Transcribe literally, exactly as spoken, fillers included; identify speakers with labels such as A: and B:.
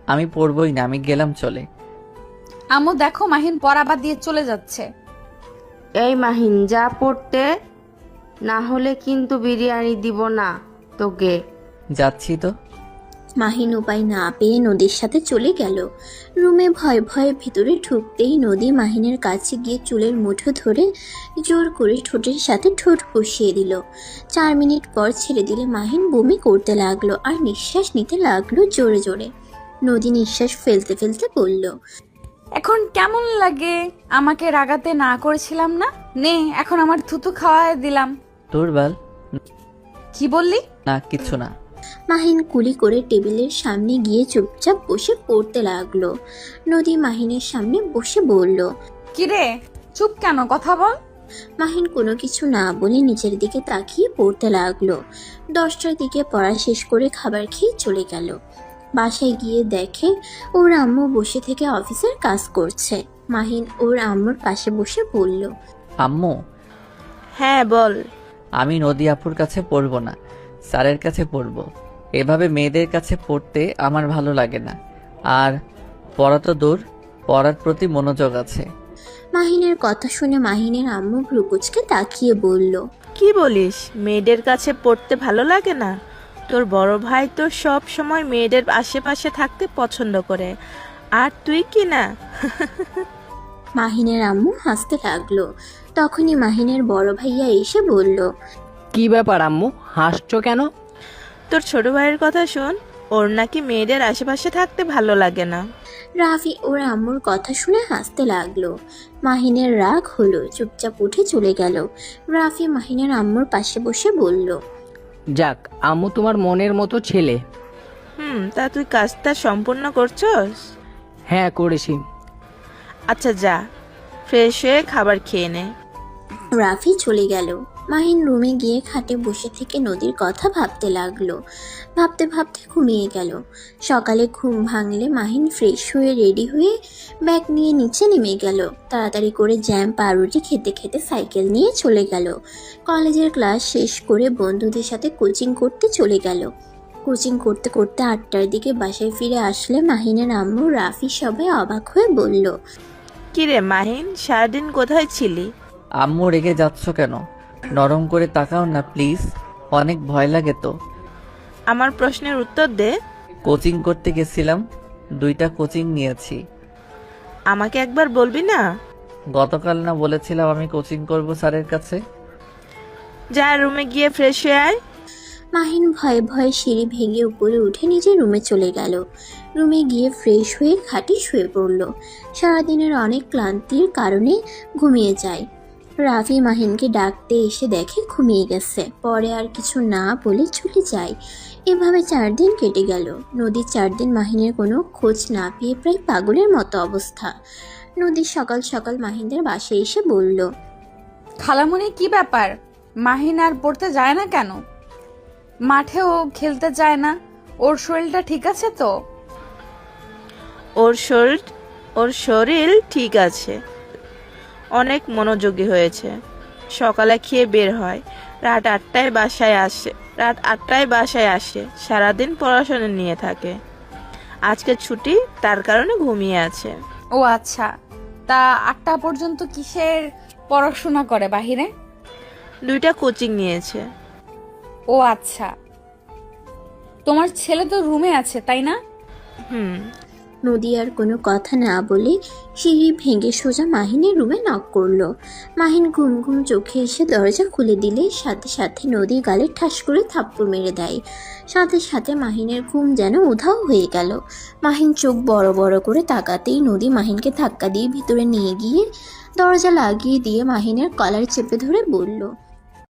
A: আমি পড়বই না, আমি গেলাম চলে।
B: আম্মু দেখো মাহিন পড়া বাদ দিয়ে চলে যাচ্ছে।
C: এই মাহিন যা পড়তে, না হলে কিন্তু বিরিয়ানি দিব না তোকে।
A: যাচ্ছি তো।
D: মাহিন উপায় না পেয়ে নদীর সাথে চলে গেল। রুমে ভয় ভয়ে ভিতরে ঢুকতেই নদী মাহিনের কাছে গিয়ে চুলের মুঠো ধরে জোর করে ঠোঁটের সাথে ঠোঁট বসিয়ে দিল। চার মিনিট পর ছেড়ে দিলে মাহিন বমি করতে লাগলো আর নিঃশ্বাস নিতে লাগলো জোরে জোরে। নদী নিঃশ্বাস ফেলতে ফেলতে বলল,
B: এখন কেমন লাগে? আমাকে রাগাতে না করেছিলাম না, নে এখন আমার থুতু খাওয়ায় দিলাম।
A: তোর বাল।
B: কি বললি?
A: না কিছু না।
D: মাহিন কুলি করে টেবিলের সামনে গিয়ে চুপচাপ বসে পড়তে লাগলো। নদী মাহিনের সামনে বসে বলল,
B: কিরে চুপ কেন, কথা বল।
D: মাহিন কোনো কিছু না বলে নিচের দিকে তাকিয়ে পড়তে লাগলো। দশটার দিকে পড়া শেষ করে খাবার খেয়ে চলে গেল। বাসায় গিয়ে দেখে ওর আম্মু বসে থেকে অফিসের কাজ করছে। মাহিন ওর আম্মুর পাশে বসে বলল,
A: আম্মু,
E: হ্যাঁ বল।
A: আমি নদী আপুর কাছে পড়বো না, স্যারের কাছে পড়বো। এভাবে মেয়েদের কাছে পড়তে আমার ভালো লাগে না। আর পড়া তো দূর, পড়ার প্রতি মনোযোগ আছে।
D: মাহিনের কথা শুনে মাহিনের আম্মু ভ্রুকুচকে তাকিয়ে বলল,
E: কি বলিস? মেয়েদের কাছে পড়তে ভালো লাগে না? তোর বড় ভাই তো সব সময় মেয়েদের আশেপাশে থাকতে পছন্দ করে, আর তুই কি না?
D: মাহিনের আম্মু হাসতে লাগলো। তখনই মাহিনের বড় ভাইয়া এসে বলল,
F: কি ব্যাপার আম্মু, হাসছো কেন?
E: তোর ছোট ভাইয়ের কথা শোন, ওর নাকি মেয়েদের আশেপাশে থাকতে ভালো লাগে না।
D: রাফি ওর আম্মুর কথা শুনে হাসতে লাগলো। মাহিনের রাগ হলো, চুপচাপ উঠে চলে গেল। রাফি মাহিনের আম্মুর পাশে বসে বলল,
F: যাক, আম্মু তোমার মনের মতো ছেলে।
E: হুম, তা তুই কাজটা সম্পূর্ণ করছস?
F: হ্যাঁ করেছি।
E: আচ্ছা যা, ফ্রেশ হয়ে খাবার খেয়ে নে।
D: রাফি চলে গেল। মাহিন রুমে গিয়ে খাটে বসে থেকে নদীর কথা ভাবতে লাগলো। ভাবতে ভাবতে ঘুমিয়ে গেল। সকালে ঘুম ভাঙলে মাহিন ফ্রেশ হয়ে রেডি হয়ে ব্যাগ নিয়ে নিচে নেমে গেল। তাড়াতাড়ি করে জ্যাম পাউরুটি খেতে খেতে সাইকেল নিয়ে চলে গেল। কলেজের ক্লাস শেষ করে বন্ধুদের সাথে কোচিং করতে চলে গেল। কোচিং করতে করতে আটটার দিকে বাসায় ফিরে আসলে মাহিনের আম্মু রাফি সবাই অবাক হয়ে বলল,
E: কিরে মাহিন, সারাদিন কোথায় ছিলি?
A: আম্মু রেগে যাচ্ছ কেন? নরম করে তাকাও না প্লিজ, অনেক ভয় লাগে তো।
E: আমার প্রশ্নের উত্তর দে।
A: কোচিং করতে গেছিলাম, দুইটা কোচিং নিয়েছি।
E: আমাকে একবার বলবি না?
A: গতকাল না বলেছিলাম আমি কোচিং করব স্যারের কাছে?
E: যা রুমে গিয়ে ফ্রেশ হয়ে আয়।
D: মাহিন ভয়ে ভয়ে সিঁড়ি ভেঙে উপরে উঠে নিজের রুমে চলে গেল। রুমে গিয়ে ফ্রেশ হয়ে খাটে শুয়ে পড়ল। সারাদিনের অনেক ক্লান্তির কারণে ঘুমিয়ে যায়। রাফি মাহিনকে ডাকতে এসে দেখে ঘুমিয়ে গেছে। পরে আর কিছু না বলে চলে যায়। এভাবে চার দিন কেটে গেল। নদীর চার দিন মাহিনের কোনো খোঁজ না পেয়ে প্রায় পাগলের মতো অবস্থা। নদী সকাল সকাল মাহিনদের বাসায় এসে বলল,
B: খালামণি কি ব্যাপার? মাহিন আর পড়তে যায় না কেন? মাঠেও খেলতে যায় না? ওর শরীরটা ঠিক আছে তো?
E: ওর শরীর ওর শরীর ঠিক আছে, অনেক মনোযোগী হয়েছে। সকালে খেয়ে বের হয়, রাত আটটায় বাসায় আসে রাত আটটায় বাসায় আসে সারাদিন পড়াশোনা নিয়ে থাকে। আজকে ছুটি, তার কারণে ঘুমিয়ে আছে।
B: ও আচ্ছা, তা আটটা পর্যন্ত কিসের পড়াশোনা করে বাহিরে?
E: দুইটা কোচিং নিয়েছে।
B: ও আচ্ছা, তোমার ছেলে তো রুমে আছে তাই না?
E: হুম।
D: নদী আর কোনো কথা না বলে সিঁড়ি ভেঙে সোজা মাহিনের রুমে নক করলো। মাহিন ঘুম ঘুম চোখে এসে দরজা খুলে দিলে সাথে সাথে নদী গালে ঠাস করে থাপ্পড় মেরে দেয়। সাথে সাথে মাহিনের ঘুম যেন উধাও হয়ে গেল। মাহিন চোখ বড় বড় করে তাকাতেই নদী মাহিনকে ধাক্কা দিয়ে ভিতরে নিয়ে গিয়ে দরজা লাগিয়ে দিয়ে মাহিনের কলার চেপে ধরে বলল,